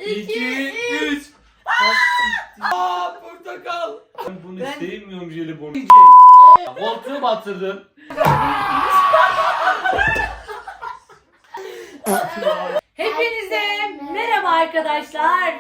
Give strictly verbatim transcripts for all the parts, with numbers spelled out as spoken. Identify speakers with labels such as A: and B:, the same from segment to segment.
A: iki, üç. Aa, portakal. Ben bunu
B: Ben-
A: sevmiyorum jelibonu. Koltuğu batırdın.
B: Hepinize merhaba arkadaşlar.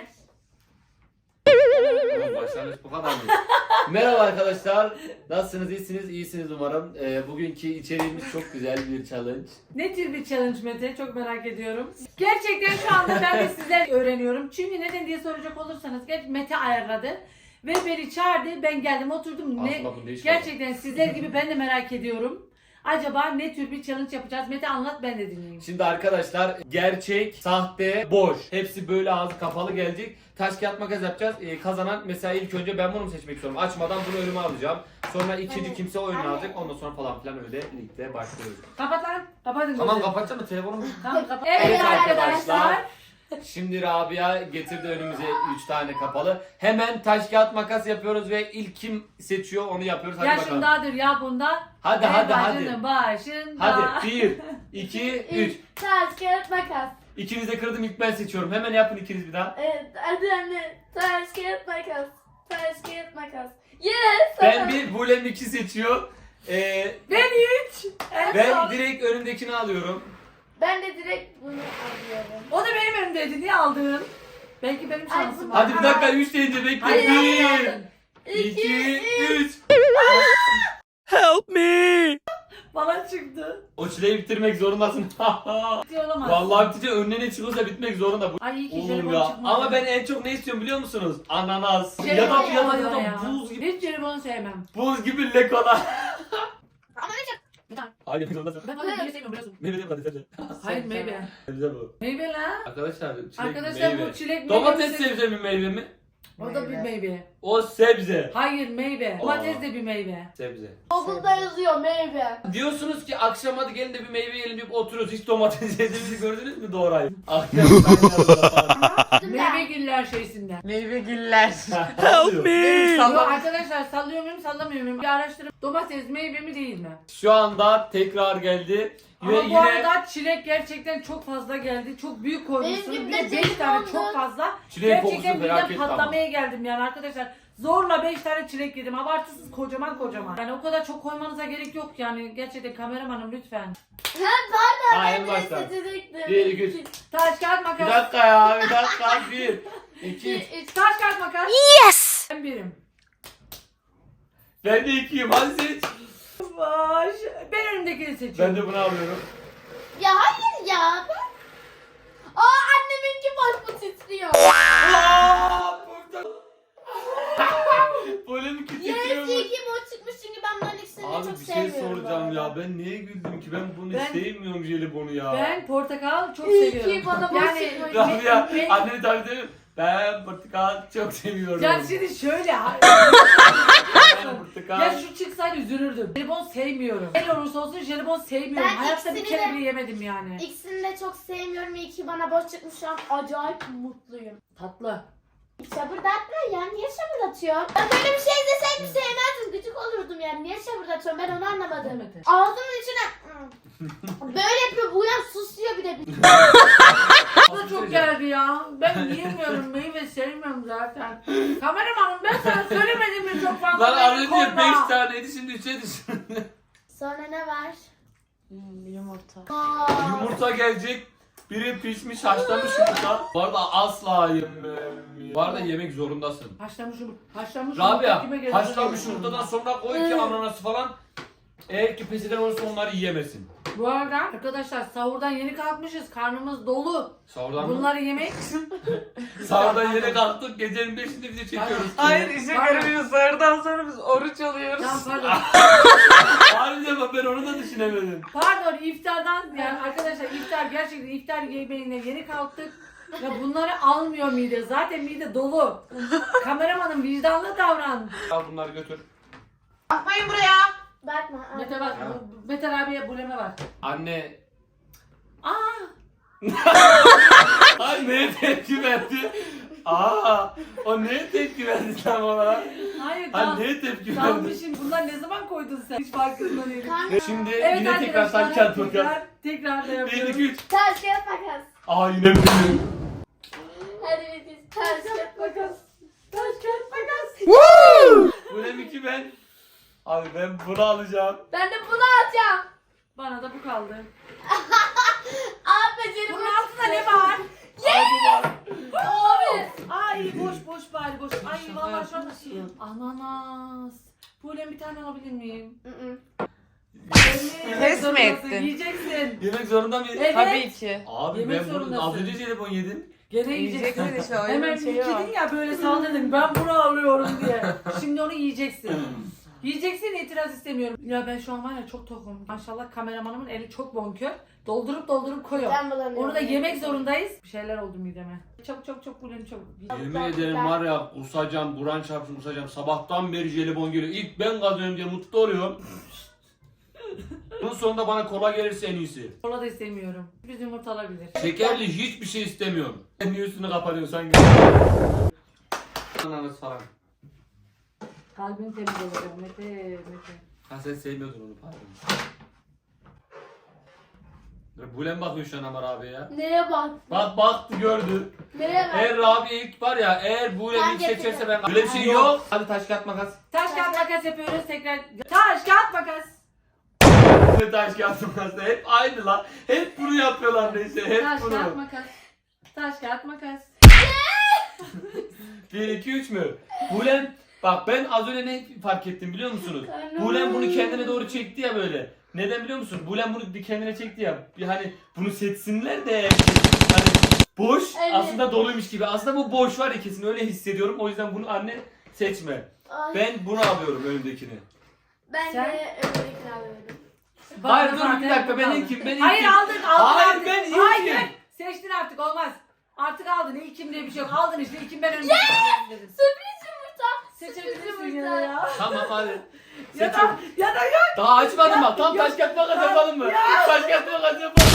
A: Başlangıç bu kadar mı? Merhaba arkadaşlar. Nasılsınız? İyisiniz? İyisiniz umarım. Ee, bugünkü içeriğimiz çok güzel bir challenge.
B: Ne tür bir challenge Mete? Çok merak ediyorum. Gerçekten şu anda ben de sizler öğreniyorum. Çünkü neden diye soracak olursanız gerçi Mete ayarladı. Ve beni çağırdı. Ben geldim oturdum. Ne,
A: Aslında bu ne iş
B: gerçekten sizler gibi ben de merak ediyorum. Acaba ne tür bir challenge yapacağız? Mete anlat, ben de dinleyeyim.
A: Şimdi arkadaşlar gerçek, sahte, boş. Hepsi böyle ağzı kapalı gelecek. Taş kağıt makas yapacağız. Ee, kazanan mesela ilk önce ben bunu mu seçmek istiyorum. Açmadan bunu önüme alacağım. Sonra ikinci
C: Evet.
A: kimse oyunu
C: Anne.
A: alacak. Ondan sonra falan filan öyle ligde başlıyoruz.
B: Kapat lan. Kapatın.
A: Tamam
B: gözünü.
A: kapatacağım mı telefonumu?
B: Tamam kapat.
A: Evet
B: Evet
A: arkadaşlar.
B: arkadaşlar.
A: Şimdi Rabia getirdi önümüze üç tane kapalı. Hemen taş kağıt makas yapıyoruz ve ilk kim seçiyor onu yapıyoruz. Hadi bakalım.
B: Yaşındadır ya bunda.
A: Hadi
B: Ve
A: hadi hadi.
B: başının başında.
A: Hadi bir, iki, üç.
C: Taş, kağıt, makas.
A: İkiniz de kırdım, ilk ben seçiyorum. Hemen yapın ikiniz bir daha.
C: Evet, hadi anne. Taş, kağıt, makas. Taş, kağıt, makas. Yes!
A: Ben bir, Bulem iki seçiyor. Ee,
B: Ben üç. En
A: ben
B: son.
A: direkt önümdekini alıyorum.
C: Ben de direkt bunu alıyorum.
B: O da benim önümdeydi. Niye aldın? Belki benim
C: Ay,
B: şansım
C: bu-
B: var.
A: Hadi bir dakika, üç deyince bekle.
B: Hayır, hayır,
A: Bir,
B: aldın.
A: iki, üç.
D: Help me!
B: Bana çıktı.
A: O çileyi bitirmek zorundasın.
B: Ciddi olamaz.
A: Vallahi bitince önüne ne çıkıyorsa bitmek zorunda. Bu
B: Ay iyi ki
A: Oğlum
B: jelibon
A: ya.
B: çıkmadı.
A: Ama ben en çok ne istiyorum biliyor musunuz? Ananas. Ya da
B: Jelibon
A: ya da ya
B: olmadı
A: da
B: ya.
A: buz gibi.
B: Hiç jelibon sevmem.
A: Buz gibi lekola.
C: Ama ne çok...
B: Bir tane.
A: Hayır zorundasın.
B: Ben fazla meyve sevmiyorum biliyorsun.
A: Meyve değil mi?
B: Hayır meyve.
A: Sebze bu.
B: Meyve la.
A: Arkadaşlar çilek
B: Arkadaşlar
A: meyve.
B: bu çilek
A: Domates
B: meyvesi-
A: sebze mi meyve mi?
B: O da bir meyve.
A: O sebze.
B: Hayır meyve.
A: Aa.
B: Domates de bir meyve.
A: Sebze.
C: Google'da yazıyor meyve.
A: Diyorsunuz ki akşam hadi gelin de bir meyve yiyelim deyip oturuyoruz. Hiç domates yediğimizi gördünüz mü Doğray? Akşam
B: Meyve giller şeysinden.
D: Meyvegiller.
A: Help
D: me!
B: Yok arkadaşlar sallıyor muyum sallamıyor muyum? Bir araştırıp domates meyve mi değil mi?
A: Şu anda tekrar geldi.
B: Ama
A: Ve
B: bu
A: yine
B: arada çilek gerçekten çok fazla geldi. Çok büyük koymuşsunuz.
C: Benim
B: Bir
C: de
B: de beş tane
C: jelibonlu-
B: çok fazla.
A: çileğin
B: Gerçekten
A: kokusu
B: midem
A: felaket
B: patlamaya geldim yani arkadaşlar. Zorla beş tane çilek yedim. Abartısız kocaman kocaman. Yani o kadar çok koymanıza gerek yok yani. Gerçekten kameramanım lütfen.
C: Ha pardon,
A: Ha,
C: ben
A: en
C: de
A: baştan.
C: seçecektim.
A: Bir, iki, üç.
B: Taş kağıt
A: Bir
B: makas.
A: dakika ya bir dakika bir. İki.
C: İki, üç.
B: Taş kağıt makas.
D: Yes!
B: Ben birim.
A: Ben de ikiyim hadi seç.
B: Baş. Ben önümdekini
A: Ben
B: seçiyorum.
A: de bunu alıyorum.
C: Ya hayır ya. Ben... Aa anneminki boş mu titriyor?
A: Aaa burada. Polemik titriyor.
C: Yarısı iki boş çıkmış çünkü ben bunların ikisini de
A: Abi
C: çok
A: bir şey
C: sevmiyorum. bu
A: soracağım
C: arada.
A: ya. Ben niye güldüm ki? Ben bunu
B: Ben-
A: sevmiyorum jelibonu ya.
B: Ben portakal çok
C: İyi ki
B: seviyorum.
C: bana boş
B: yani
C: çıkmış.
A: Rabia
B: ben-
A: annemi tarif ediyorum. Ben portakal çok seviyorum.
B: ya şimdi şöyle.
A: Ben portakal.
B: Ya şu çıksaydı üzülürdüm. Jelibon sevmiyorum. Ne olursa olsun jelibon sevmiyorum.
C: Ben
B: Hayatta bir
C: ikisini
B: kere
C: de-
B: bile yemedim yani.
C: İkisini de çok sevmiyorum. İyi ki bana boş çıkmış, şu an acayip mutluyum.
B: Tatlı.
C: Şabırdatma ya, niye şabırdatıyorsun? Ben böyle bir şey deseydim sevmezdim, gıcık olurdum yani. Niye şabırdatıyorum, ben onu anlamadım.
B: Demedi.
C: Ağzımın içine böyle yapıyor, bu yan susuyor bir de.
B: Bu da çok geldi ya. Ben yiyemiyorum. Meyve sevmiyorum zaten. Kameramanım ben sana söylemedim mi çok fazla?
A: Lan az
B: beni
A: önce
B: korkma.
A: beş taneydi şimdi üçe düştü.
C: Sonra ne var?
B: Hmm, yumurta.
C: Aa,
A: Yumurta gelecek. Biri pişmiş haşlanmış yumurta. Bu arada asla yemem. Bu arada yemek zorundasın.
B: Haşlanmış yumurta. Haşlanmış yumurta
A: Rabia
B: kime gelir?
A: haşlanmış yumurtadan sonra koy ki ananası falan. Eğer ki pes eden olursa onları yiyemesin.
B: Bu arada arkadaşlar sahurdan yeni kalkmışız. Karnımız dolu.
A: Sahurdan mı?
B: Bunları yemek.
A: Sahurdan yeni kalktık gecenin beşinde bizi çekiyoruz.
D: Hayır işe göremiyoruz. Sarıdan sonra biz oruç alıyoruz.
B: Tamam pardon.
A: Harbiden bak ben onu da düşünemedim.
B: Pardon iftardan yani arkadaşlar iftar gerçekten iftar yemeğine yeni kalktık. Ya bunları almıyor mide. Zaten mide dolu. Kameramanın vicdanlı davran.
A: Al bunları götür.
D: Bakmayın buraya.
C: bakma. aa.
B: Mete bak.
A: Ha.
B: Beter abiye buleme bak.
A: Anne.
B: Aa.
A: Ay neye tepki verdi? Aa, o neye tepki verdi tam olarak?
B: Hayır
A: Ay
B: tam.
A: neye tepki verdi?
B: Dalmışım. Bunlar ne zaman koydun sen? Hiç farkında değilim.
C: Karnım.
A: Şimdi
B: Evet
A: yine tekrar
B: arkadaşlar
A: taş kağıt makas.
B: tekrar, tekrar da
A: Bir,
B: yapıyoruz.
A: iki, üç.
C: Taş kağıt makas.
A: Aa yine benim.
C: Hadi biz taş kağıt makas.
B: Taş kağıt makas.
A: Bulem iki ben. Abi ben bunu alacağım.
C: Ben de bunu alacağım.
B: Bana da bu kaldı.
C: Abi becerim.
B: Bunun altında ne var?
A: Yes!
C: Abi.
B: Ay boş boş bari boş. Ay
D: Şaka
B: vallahi şu an
D: yapıyorsun.
B: ananas. Böyle bir tane alabilir miyim?
D: Pes mi
B: Zorundasın,
D: ettin?
B: Yiyeceksin.
A: Yemek zorunda mıyım?
B: Evet.
D: Tabii ki.
A: Abi
B: Yemek
A: ben bunu
B: zorundasın.
A: az önce jelibon yedim.
B: Gene yiyeceksin.
D: Yiyeceksin işte öyle
B: Hemen
D: bir şey var.
B: yedin ya böyle saldırdın. Ben bunu alıyorum diye. Şimdi onu yiyeceksin. Yiyeceksin, itiraz istemiyorum. Ya ben şu an var ya çok tokum. Maşallah kameramanımın eli çok bonkör. Doldurup doldurup koyuyor.
C: Ben bulamıyorum.
B: Onu da yemek zorundayız. Bir şeyler oldu mideme. Çok çok çok bulim çok.
A: Yemin ederim var ya kusacağım, buran çarpsın kusacağım. Sabahtan beri jelibon geliyor. İlk ben kazanıyorum diye mutlu oluyorum. Bunun sonunda bana kola gelirse en iyisi.
B: Kola da istemiyorum. Biz yumurta alabilir.
A: Şekerli hiçbir şey istemiyorum. Niye üstünü kapatıyorsun sanki? Ananas falan.
B: Kalbin temiz olacak Mete, Mete.
A: Ha sen sevmiyordun onu pardon. Bulen bakıyor şu an Amar abi ya.
C: Neye bak?
A: Bak baktı gördü.
C: Neye bak?
A: Eğer Rabia ilk var ya eğer Bulen
C: Ben
A: ilk seçerse
C: getirdim.
A: ben... Öyle bir şey yok. Hadi taş kağıt makas.
B: Taş kağıt makas yapıyoruz tekrar. Taş kağıt makas.
A: Taş kağıt makas da hep aynı lan. Hep bunu yapıyorlar neyse hep
B: Taş
A: bunu.
B: kağıt makas. Taş kağıt makas.
A: bir iki üç mü? Bulen bak ben az önce ne fark ettim biliyor musunuz?
C: Karnım.
A: Bulen bunu kendine doğru çekti ya böyle. Neden biliyor musun? Bulen bunu bir kendine çekti ya. Bir hani bunu seçsinler de hani boş
C: Evet.
A: aslında doluymuş gibi. Aslında bu boş var ya kesin öyle hissediyorum. O yüzden bunu anne seçme.
C: Ay,
A: Ben bunu alıyorum önündekini.
C: ben
B: Sen-
C: de öbürkünü alıyorum.
B: Bana
A: Hayır, dur,
B: zaten
A: bir dakika,
B: bu
A: ben
B: kaldı.
A: ilkim, ben ilkim.
B: Hayır aldın aldın.
A: Hayır,
B: aldın.
A: ben ilkim.
B: Hayır. Seçtin artık olmaz. Artık aldın. İlkim diye bir şey yok. Aldın işte. İlkim ben önce dedim.
C: Sürpriz yumurta.
B: Seçebilirsin ya. ya.
A: Tamam hadi.
B: Ya da,
A: Seçin.
B: ya da yok.
A: Daha açmadım bak. Tam
B: Ya-
A: taş kağıt makas
B: Ya-
A: yapalım mı?
B: Ya-
A: Taş kağıt makas yapalım.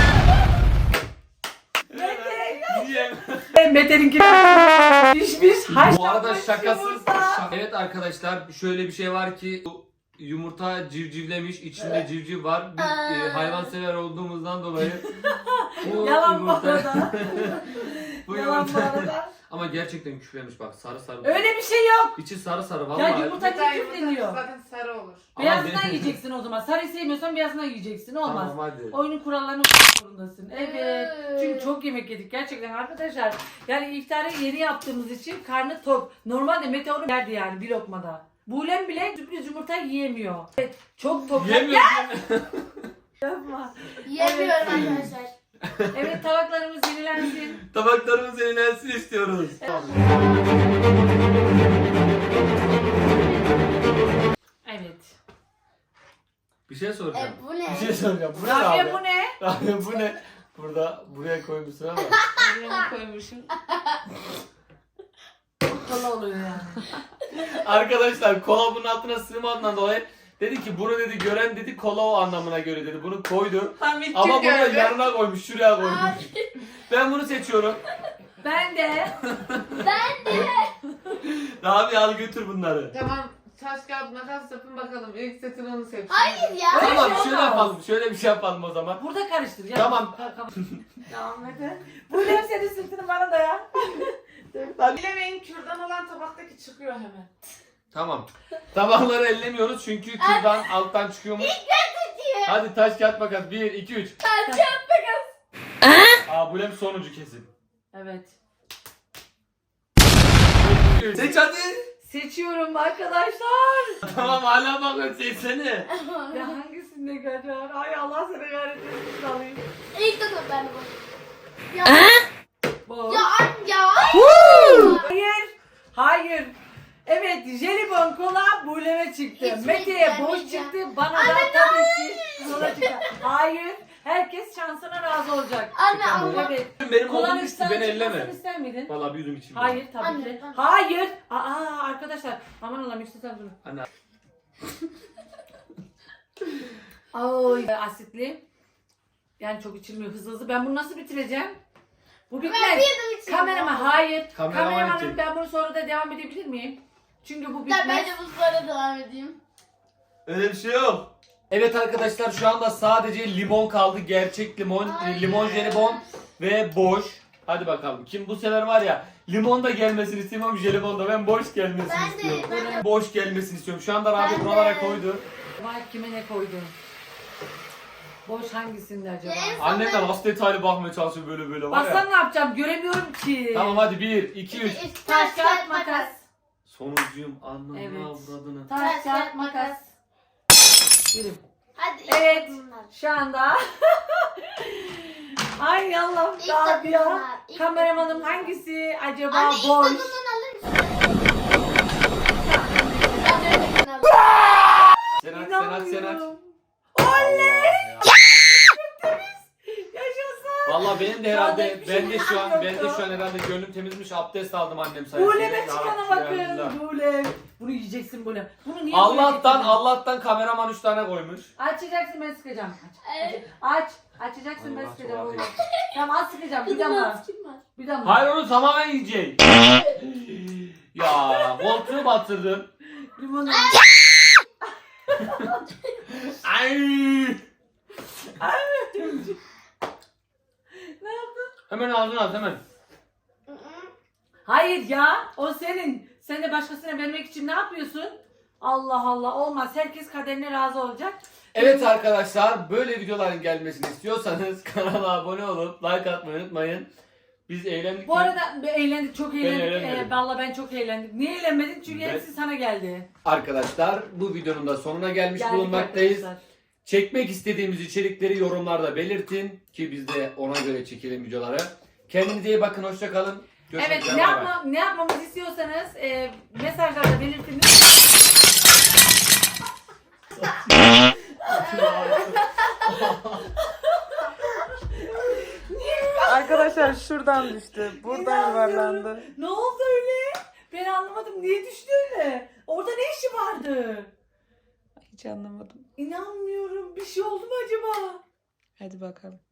A: Niye?
B: Mete'ninki pişmiş haşlanmış
A: Bu arada şakasız.
B: yumurta.
A: şak- Evet arkadaşlar şöyle bir şey var ki bu yumurta civcivlemiş, içinde civciv var. Biz e, hayvansever olduğumuzdan dolayı bu
B: Yalan bu
A: yumurta,
B: arada.
A: bu
B: Yalan bu
A: yumurta
B: arada.
A: ama gerçekten küflemiş bak sarı sarı.
B: Öyle bir şey yok.
A: İçi sarı sarı
B: Ya
A: vallahi.
B: yumurta niye küfleniyor?
D: Zaten sarı olur.
A: Ama
B: Beyazından
A: benim-
B: yiyeceksin o zaman. Sarı sevmiyorsan beyazından yiyeceksin. Olmaz.
A: Tamam hadi.
B: Oyunun kurallarına uymak zorundasın. Evet.
C: Evet.
B: Çünkü çok yemek yedik gerçekten arkadaşlar. Yani iftarı yeni yaptığımız için karnı tok. Normalde Meteor'u yerdi yani bir lokmada. Buğlem bile sürpriz yumurta yiyemiyor. Evet, çok tok.
A: Yemiyorum.
B: Yapma.
C: Yemiyorum arkadaşlar.
B: Evet tabaklarımız yenilensin.
A: Tabaklarımız yenilensin istiyoruz.
B: Evet.
A: Bir şey soracağım.
C: E bu ne?
A: Bir şey soracağım. Bu ne
B: Rabia
A: abi?
B: bu ne?
A: Rabia bu ne? Burada buraya koymuşsun ama.
D: Buraya koymuşum.
B: Kola oluyor yani.
A: Arkadaşlar kola bunun altına sığmadığından dolayı dedi ki bunu dedi gören dedi kola o anlamına göre dedi. Bunu koydu.
D: Tam ilk
A: Ama
D: kim
A: bunu
D: gördü?
A: yanına koymuş, şuraya koymuş. Ben bunu seçiyorum.
B: Ben de.
C: Ben de.
A: Rabia al götür bunları.
D: Tamam, taş kağıt makas yapın bakalım. İlk setin onu seçsin.
C: Hayır ya.
B: Öyle
A: Tamam
B: şey
A: şöyle
B: olmaz.
A: yapalım. Şöyle bir şey yapalım o zaman.
B: Burada karıştır. Ya.
A: Tamam.
B: Tamam Mete. Buğlem senin sırtını bana da ya.
D: Bilemeyin kürdan olan tabaktaki çıkıyor hemen.
A: Tamam. Tabakları ellemiyoruz çünkü kürdan alttan çıkıyormuş. Hadi taş kağıt makas. bir, iki, üç.
C: Taş kağıt makas.
A: Aa bu hem sonuncu kesin.
B: Evet.
A: Seç hadi.
B: Seçiyorum arkadaşlar.
A: Tamam hala bakın seçsene.
B: Ya hangisinde kaçar? Ay Allah seni kahretmesin alayım.
C: İlk defa ben de bu. Ya.
B: Bu.
C: Ya ya.
B: Hayır. Hayır. Evet, jelibon kola Buğlem'e çıktı.
C: Hiç
B: Mete'ye boş
C: beklemeyeceğim.
B: çıktı. Bana da tabii ki kola çıktı. Hayır. Herkes şansına razı olacak.
C: Anne ama.
B: Evet.
A: Benim
B: Kolanın
A: oğlum üstü
B: üstten
A: beni
B: çıkmasını
A: elleme.
B: ister miydin?
A: Vallahi bir yudum içeyim.
B: Hayır tabii
C: Anne,
B: ki.
C: tamam.
B: Hayır. Aa arkadaşlar. Aman Allah'ım yükselten durun.
A: Anne.
B: Ay asitli. Yani çok içilmiyor hızlı hızlı. Ben bunu nasıl bitireceğim? Bu
C: Ben
B: bitmez.
C: bir yudum içeyim.
B: Kamerama hayır.
A: Kameraman
B: Kameramanım
A: için.
B: ben bunu sonra da devam edebilir miyim? Çünkü bu
C: Ya
B: bitmez.
C: ben de bu sonra devam edeyim.
A: Öyle bir şey yok. Evet arkadaşlar şu anda sadece limon kaldı. Gerçek limon,
C: Ay.
A: limon jelibon ve boş. Hadi bakalım. Kim bu sefer var ya limon da gelmesini istemiyorum, jelibon da. Ben boş gelmesini
C: Ben de,
A: istiyorum.
C: ben de.
A: Boş gelmesini istiyorum. Şu anda Rabi
C: Ben
A: buralara
C: de.
A: koydu.
B: Vay kime ne koydun? Boş hangisinde acaba?
C: En son
A: Annem de
C: ben-
A: nasıl detaylı bakmaya çalışıyor böyle böyle var ya.
B: Baksana ne yapacağım göremiyorum ki.
A: Tamam hadi bir, iki, üç.
C: İki, üç,
B: Taş kağıt makas.
A: Sonuncuyum anlamına
B: Evet.
A: avradını.
B: Taş kağıt makas. Yürüm.
C: Hadi.
B: Evet.
C: ilk bunlar.
B: Şu anda. Ay Allah'ım
C: İlk
B: daha
C: takım
B: ya.
C: bunlar, ilk
B: Kameramanım
C: takım.
B: hangisi acaba
C: Anne ilk
B: boş?
C: takımdan alır mısın? Ben öndekini alırım.
A: Senat, Senat, Senat.
B: İnanmıyorum.
A: Oley!
B: Yaşasın.
A: Valla benim de
B: Şu anda
A: herhalde,
B: hiçbir
A: ben
B: şey
A: de şu an,
B: yok
A: ben de
B: ya.
A: şu an herhalde gönlüm temizmiş, abdest aldım annem sayesinde.
B: Bulem'e çıkana
A: Ya
B: bakın.
A: Rabbi.
B: Bulem. Bunu yiyeceksin Bulem. Bunu niye
A: Allah'tan,
B: buraya getirdin?
A: Allah'tan kameraman üç tane koymuş.
B: Açacaksın ben sıkacağım. Aç.
C: Evet.
B: Aç. Açacaksın ben
A: Allah,
B: sıkacağım.
A: çok
B: oğlum. Tamam az sıkacağım. Bir
C: Kızım
B: damla.
C: az kim var?
B: Bir damla.
A: Hayır onu tamamen yiyecek. Ya koltuğu batırdın.
B: Limonu.
A: Ay!
B: Ne yaptın?
A: Hemen ağzına at hemen.
C: Hı hı.
B: Hayır ya. O senin. Sen de başkasına vermek için ne yapıyorsun? Allah Allah olmaz. Herkes kaderine razı olacak.
A: Evet arkadaşlar, böyle videoların gelmesini istiyorsanız kanala abone olup like atmayı unutmayın. Biz eğlendik
B: Bu
A: mi?
B: arada eğlendik, çok eğlendik.
A: eğlenmedim.
B: Ee, vallahi ben çok eğlendim. Niye eğlenmedin? Çünkü
A: Ben-
B: hepsi sana geldi.
A: Arkadaşlar bu videonun da sonuna gelmiş
B: Geldik
A: bulunmaktayız.
B: arkadaşlar.
A: Çekmek istediğimiz içerikleri yorumlarda belirtin ki biz de ona göre çekelim videoları. Kendinize iyi bakın, hoşça kalın. Görüşmek
B: Evet,
A: üzere,
B: ne,
A: bay bay.
B: yapma, ne yapmamızı istiyorsanız e, mesajlarda belirtiniz.
D: Arkadaşlar şuradan düştü. Buradan yuvarlandı.
B: Ne oldu öyle? Ben anlamadım. Niye düştü öyle? Orada ne işi vardı?
D: Hiç anlamadım.
B: İnanmıyorum. Bir şey oldu mu acaba?
D: Hadi bakalım.